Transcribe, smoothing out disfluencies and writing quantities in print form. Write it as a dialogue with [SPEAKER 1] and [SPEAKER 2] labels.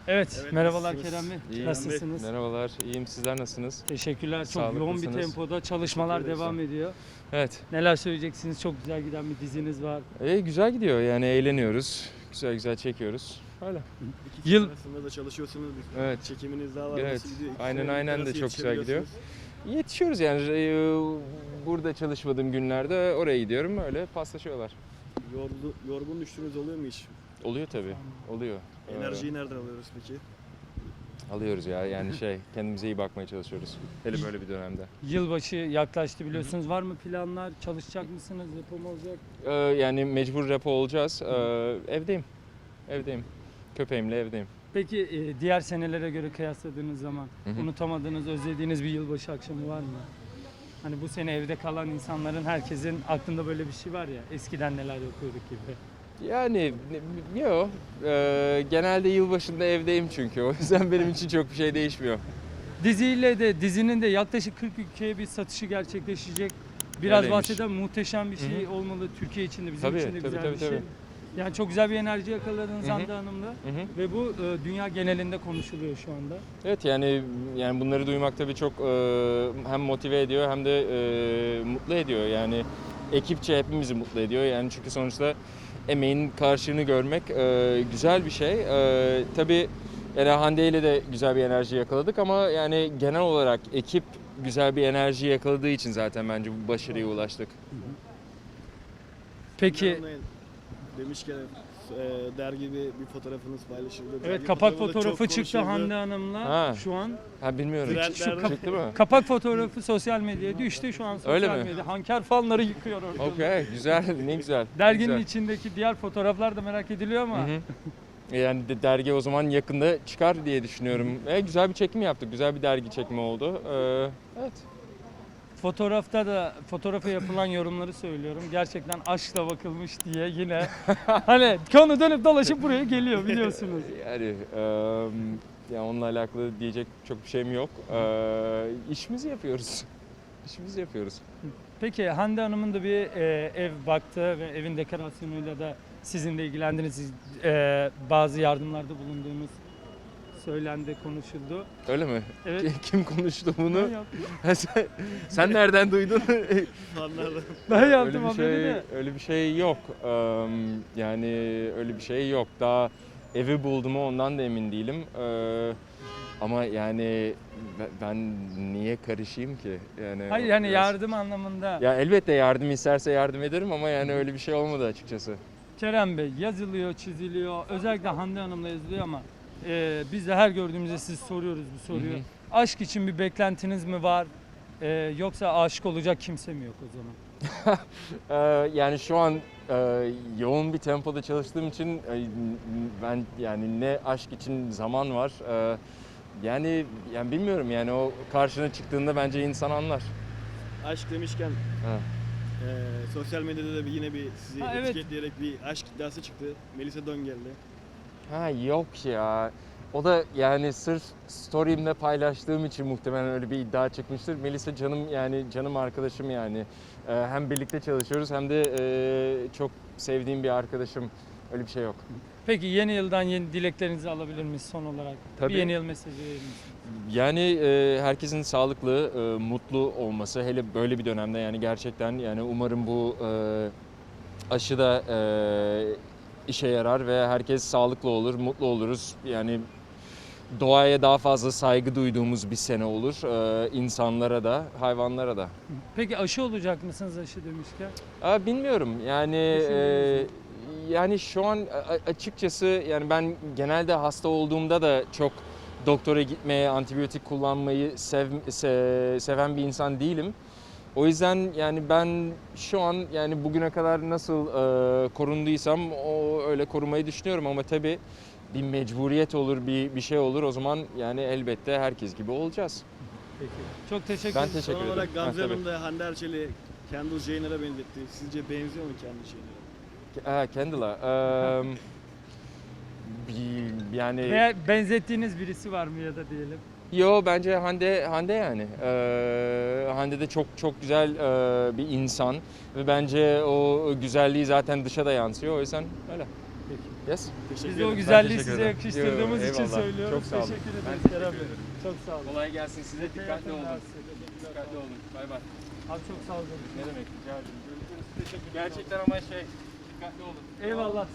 [SPEAKER 1] Evet,
[SPEAKER 2] Evet,
[SPEAKER 1] merhabalar
[SPEAKER 2] nasılsınız?
[SPEAKER 1] Kerem Bey.
[SPEAKER 3] İyiyim.
[SPEAKER 1] Nasılsınız?
[SPEAKER 3] Merhabalar, iyiyim. Sizler nasılsınız?
[SPEAKER 1] Teşekkürler. Çok yoğun bir
[SPEAKER 3] Sağlıklısınız.
[SPEAKER 1] tempoda çalışmalar
[SPEAKER 2] Teşekkür ederiz.
[SPEAKER 1] devam ediyor.
[SPEAKER 3] Evet,
[SPEAKER 1] Neler söyleyeceksiniz? Çok güzel giden bir diziniz var.
[SPEAKER 3] güzel gidiyor yani eğleniyoruz. Güzel güzel çekiyoruz. Öyle.
[SPEAKER 2] İki
[SPEAKER 1] Yıl-
[SPEAKER 2] Yıl arasında da çalışıyorsunuz. Bir
[SPEAKER 3] Evet.
[SPEAKER 2] çekiminiz daha var.
[SPEAKER 3] Evet.
[SPEAKER 2] Nasıl gidiyor? İkisine
[SPEAKER 3] Aynen de
[SPEAKER 2] nasıl
[SPEAKER 3] çok güzel gidiyor.
[SPEAKER 2] yetişebiliyorsunuz?
[SPEAKER 3] Yetişiyoruz yani. Burada çalışmadığım günlerde oraya gidiyorum. Öyle paslaşıyorlar.
[SPEAKER 2] Yorgun düştüğünüz oluyor mu hiç?
[SPEAKER 3] Oluyor tabii. Oluyor.
[SPEAKER 2] Enerjiyi nereden alıyoruz peki?
[SPEAKER 3] Alıyoruz ya yani kendimize iyi bakmaya çalışıyoruz. Hele böyle bir dönemde.
[SPEAKER 1] Yılbaşı yaklaştı biliyorsunuz. Var mı planlar? Çalışacak mısınız? Yapım olacak?
[SPEAKER 3] Yani mecbur repo olacağız. Evdeyim. Evdeyim. Köpeğimle evdeyim.
[SPEAKER 1] Peki diğer senelere göre kıyasladığınız zaman
[SPEAKER 3] Hı hı.
[SPEAKER 1] unutamadığınız, özlediğiniz bir yılbaşı akşamı var mı? Hani bu sene evde kalan insanların herkesin aklında böyle bir şey var ya. Eskiden neler yapıyorduk gibi.
[SPEAKER 3] Yani yok. Genelde yılbaşında evdeyim çünkü. O yüzden benim için çok bir şey değişmiyor.
[SPEAKER 1] Dizinin de yaklaşık 40 ülkeye bir satışı gerçekleşecek. Biraz
[SPEAKER 3] Öyleymiş.
[SPEAKER 1] bahseden muhteşem bir şey
[SPEAKER 3] Hı
[SPEAKER 1] olmalı. Türkiye için de bizim
[SPEAKER 3] Tabii,
[SPEAKER 1] için de
[SPEAKER 3] tabii,
[SPEAKER 1] güzel
[SPEAKER 3] tabii,
[SPEAKER 1] bir şey.
[SPEAKER 3] tabii.
[SPEAKER 1] Yani çok güzel bir enerji yakaladınız
[SPEAKER 3] Hı hı.
[SPEAKER 1] Hande Hanım'la.
[SPEAKER 3] Hı hı.
[SPEAKER 1] Ve bu dünya genelinde konuşuluyor şu anda.
[SPEAKER 3] Evet yani bunları duymak tabii çok hem motive ediyor hem de mutlu ediyor. Yani ekipçe hepimizi mutlu ediyor. Yani çünkü sonuçta emeğin karşılığını görmek güzel bir şey. Tabii yani Hande ile de güzel bir enerji yakaladık ama yani genel olarak ekip güzel bir enerji yakaladığı için zaten bence bu başarıya ulaştık.
[SPEAKER 1] Peki
[SPEAKER 2] Hanım'la demişken dergi bir fotoğrafınız paylaşıldı.
[SPEAKER 1] evet,
[SPEAKER 2] Dergi
[SPEAKER 1] kapak
[SPEAKER 2] fotoğrafı da
[SPEAKER 1] fotoğrafı
[SPEAKER 2] çok
[SPEAKER 1] çıktı
[SPEAKER 2] konuşuldu.
[SPEAKER 1] Hande Hanım'la
[SPEAKER 3] Ha.
[SPEAKER 1] şu an.
[SPEAKER 3] Ha bilmiyorum.
[SPEAKER 2] Trendlerde-
[SPEAKER 3] Çıktı mı?
[SPEAKER 1] Kapak fotoğrafı sosyal medyaya düştü şu an sosyal
[SPEAKER 3] Öyle mi?
[SPEAKER 1] medya. Hanker fanları yıkıyor orada.
[SPEAKER 3] Okey, güzel, ne güzel. ne
[SPEAKER 1] Derginin
[SPEAKER 3] güzel.
[SPEAKER 1] içindeki diğer fotoğraflar da merak ediliyor ama.
[SPEAKER 3] Hı hı. Yani dergi o zaman yakında çıkar diye düşünüyorum. Güzel bir çekim yaptık, güzel bir dergi çekimi oldu. Evet.
[SPEAKER 1] Fotoğrafa yapılan yorumları söylüyorum. Gerçekten aşkla bakılmış diye yine hani konu dönüp dolaşıp buraya geliyor biliyorsunuz.
[SPEAKER 3] Yani ya onunla alakalı diyecek çok bir şeyim yok. İşimizi yapıyoruz. İşimizi yapıyoruz.
[SPEAKER 1] Peki Hande Hanım'ın da bir ev baktığı ve evin dekorasyonuyla da sizin de ilgilendiğiniz bazı yardımlarda bulunduğunuz söylendi, konuşuldu.
[SPEAKER 3] Öyle mi?
[SPEAKER 1] Evet.
[SPEAKER 3] Kim konuştu bunu?
[SPEAKER 1] Ben yaptım.
[SPEAKER 3] Sen nereden duydun?
[SPEAKER 2] Fanlardan.
[SPEAKER 1] Ben
[SPEAKER 3] öyle
[SPEAKER 1] yaptım
[SPEAKER 3] bir
[SPEAKER 1] haberi
[SPEAKER 3] şey,
[SPEAKER 1] de.
[SPEAKER 3] öyle bir şey yok. Yani öyle bir şey yok. Daha evi buldu mu ondan da emin değilim. Ama yani ben niye karışayım ki? Yani
[SPEAKER 1] Hayır yani
[SPEAKER 3] biraz-
[SPEAKER 1] yardım anlamında.
[SPEAKER 3] Ya elbette yardım isterse yardım ederim ama yani öyle bir şey olmadı açıkçası.
[SPEAKER 1] Kerem Bey yazılıyor, çiziliyor. Özellikle Hande Hanım'la yazılıyor ama biz de her gördüğümüzde siz soruyoruz bu soruyu.
[SPEAKER 3] Hı hı.
[SPEAKER 1] Aşk için bir beklentiniz mi var? Yoksa aşık olacak kimse mi yok o zaman?
[SPEAKER 3] Yani şu an yoğun bir tempoda çalıştığım için ben yani ne aşk için zaman var. Yani bilmiyorum yani o karşına çıktığında bence insan anlar.
[SPEAKER 2] Aşk demişken
[SPEAKER 3] Ha.
[SPEAKER 2] sosyal medyada da yine sizi
[SPEAKER 1] Ha, evet.
[SPEAKER 2] etiketleyerek bir aşk iddiası çıktı. Melisa Don geldi.
[SPEAKER 3] Ha yok ya. O da yani sırf story'imde paylaştığım için muhtemelen öyle bir iddia çıkmıştır. Melisa canım arkadaşım yani. Hem birlikte çalışıyoruz hem de çok sevdiğim bir arkadaşım. Öyle bir şey yok.
[SPEAKER 1] Peki yeni yıldan yeni dileklerinizi alabilir miyiz son olarak?
[SPEAKER 3] Tabii.
[SPEAKER 1] Bir yeni yıl mesajı verir misiniz?
[SPEAKER 3] Yani herkesin sağlıklı, mutlu olması hele böyle bir dönemde yani gerçekten yani umarım bu aşı da işe yarar ve herkes sağlıklı olur, mutlu oluruz. Yani doğaya daha fazla saygı duyduğumuz bir sene olur. İnsanlara da, hayvanlara da.
[SPEAKER 1] Peki aşı olacak mısınız aşı demişken?
[SPEAKER 3] Bilmiyorum yani yani şu an açıkçası yani ben genelde hasta olduğumda da çok doktora gitmeye, antibiyotik kullanmayı seven bir insan değilim. O yüzden yani ben şu an yani bugüne kadar nasıl korunduysam o öyle korumayı düşünüyorum ama tabii bir mecburiyet olur, bir şey olur o zaman yani elbette herkes gibi olacağız.
[SPEAKER 1] Peki. Çok teşekkür
[SPEAKER 3] Ben
[SPEAKER 1] ederim.
[SPEAKER 3] teşekkür
[SPEAKER 2] Son
[SPEAKER 3] ederim.
[SPEAKER 2] olarak Gamze
[SPEAKER 3] Ha, tabii.
[SPEAKER 2] Hanım da Hande Erçel'i Kendall Jenner'a benzetti. Sizce benziyor mu Kendall Jenner'a?
[SPEAKER 3] Kendall'a. Yani
[SPEAKER 1] Veya benzettiğiniz birisi var mı ya da diyelim?
[SPEAKER 3] yo bence Hande yani. Hande de çok güzel bir insan ve bence o güzelliği zaten dışa da yansıyor. O yüzden öyle. Yes?
[SPEAKER 2] Teşekkür
[SPEAKER 1] Biz de o
[SPEAKER 2] ederim.
[SPEAKER 1] güzelliği
[SPEAKER 3] teşekkür
[SPEAKER 1] size
[SPEAKER 3] ederim.
[SPEAKER 1] yakıştırdığımız
[SPEAKER 3] Yo,
[SPEAKER 1] için
[SPEAKER 3] eyvallah.
[SPEAKER 1] söylüyoruz.
[SPEAKER 3] Çok sağ olun.
[SPEAKER 1] Teşekkür
[SPEAKER 3] Ben
[SPEAKER 1] ederiz
[SPEAKER 3] teşekkür
[SPEAKER 1] Kerem Bey.
[SPEAKER 3] ederim.
[SPEAKER 1] Çok sağ olun.
[SPEAKER 3] Kolay gelsin size. Dikkatli olun.
[SPEAKER 1] Teşekkürler.
[SPEAKER 3] Dikkatli olun. Bay bay.
[SPEAKER 1] Abi çok sağ olun.
[SPEAKER 3] Ne demek? Rica ederim. Görüşürüz. Teşekkür. Gerçekten ama dikkatli olun.
[SPEAKER 1] Eyvallah.